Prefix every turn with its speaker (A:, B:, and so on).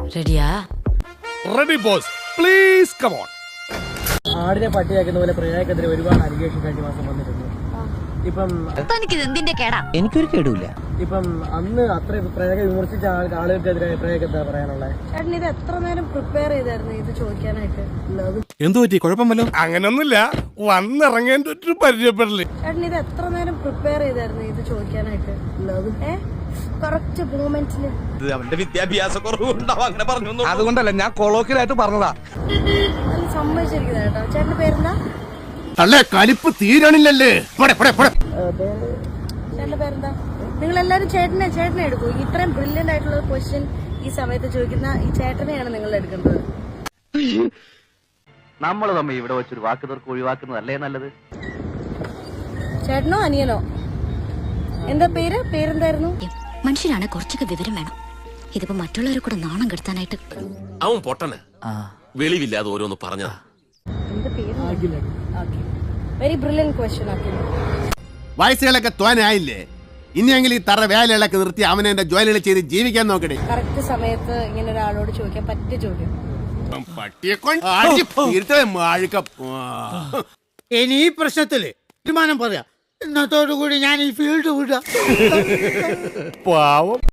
A: റെഡിയാ?
B: Ready boss, please come on.
C: ആടിനെ പട്ടിയാക്കുന്ന പോലെ പ്രയാഗത്തിനെതിരെ ഒരുപാട് അലിഗേഷൻ കഴിഞ്ഞ മാസം വന്നിട്ടുണ്ട്. ഇപ്പം
D: എനിക്കൊരു കേടുമില്ല.
C: ഇപ്പം അന്ന് അത്ര പ്രയാഗ വിമർശിച്ച ആളുകൾക്കെതിരെ പ്രയാഗത്തെ പറയാനുള്ളത്.
E: ചേട്ടൻ ഇത് എത്ര നേരം പ്രിപ്പയർ ചെയ്തായിരുന്നു ഇത് ചോദിക്കാനായിട്ട്?
B: എന്തു പറ്റി? കുഴപ്പമല്ലോ. അങ്ങനൊന്നുമില്ല, വന്നിറങ്ങേണ്ട ഒരു പരിചയപ്പെടല്.
E: ചേട്ടൻ ഇത് എത്ര നേരം പ്രിപ്പയർ ചെയ്തായിരുന്നു ഇത് ചോദിക്കാനായിട്ട്? കറക്റ്റ് മൂമെന്റ്സില്.
F: അവന്റെ വിദ്യാഭ്യാസ കുറവുണ്ടാവും അങ്ങനെ പറഞ്ഞു.
B: അതുകൊണ്ടല്ല, ഞാൻ കൊളോക്കിലായിട്ട് പറഞ്ഞതാ.
E: നല്ല സമ്മതിച്ചിരിക്കുന്നത് കേട്ടോ. ചേട്ടന്റെ പേരെന്താ?
B: അല്ലേ കലിപ്പ് തീരണില്ലല്ലേ?
E: ചേട്ടന്റെ പേരെന്താ? നിങ്ങൾ എല്ലാരും ചേട്ടനെ എടുക്കൂ. ഇത്രയും ബ്രില്യന്റ് ആയിട്ടുള്ള ക്വസ്റ്റ്യൻ ഈ സമയത്ത് ചോദിക്കുന്ന ഈ ചേട്ടനെയാണ് നിങ്ങൾ എടുക്കേണ്ടത്.
D: നമ്മൾ തമ്മിൽ ഇവിടെ വെച്ചൊരു വാക്ക് തീർക്ക് ഒഴിവാക്കുന്നതല്ലേ നല്ലത്.
E: ചേട്ടനോ അനിയനോ? എന്താ പേരെന്തായിരുന്നു?
A: മനുഷ്യനാണ് കുറച്ചൊക്കെ വിവരം വേണം. ഇതിപ്പോ മറ്റുള്ളവരെ കൂടെ നാണം കെടുത്താനായിട്ട്.
G: അവൻ പൊട്ടന് വെളിവില്ലാതെ ഓരോന്ന് പറഞ്ഞതാ.
E: എന്താ പേര്? വെരി ബ്രില്യന്റ് ക്വസ്റ്റ്യൻ ആക്കി.
B: വയസ്സുകളൊക്കെ തോനായില്ലേ? ഇനിയെങ്കിലും ഈ തറ വേലകളൊക്കെ നിർത്തി അവനെ എന്റെ ജോലികൾ ചെയ്ത് ജീവിക്കാൻ നോക്കണേ.
E: കറക്റ്റ് സമയത്ത് ഇങ്ങനെ ഒരാളോട് ചോദിക്കാൻ പറ്റിയ ചോദ്യം.
B: പട്ടിയെ കൊണ്ട്
H: ഇനി ഈ പ്രശ്നത്തില് തീരുമാനം പറയാം. ഇന്നത്തോടു കൂടി ഞാൻ ഈ ഫീൽഡ് വിടാം.
B: പാവം.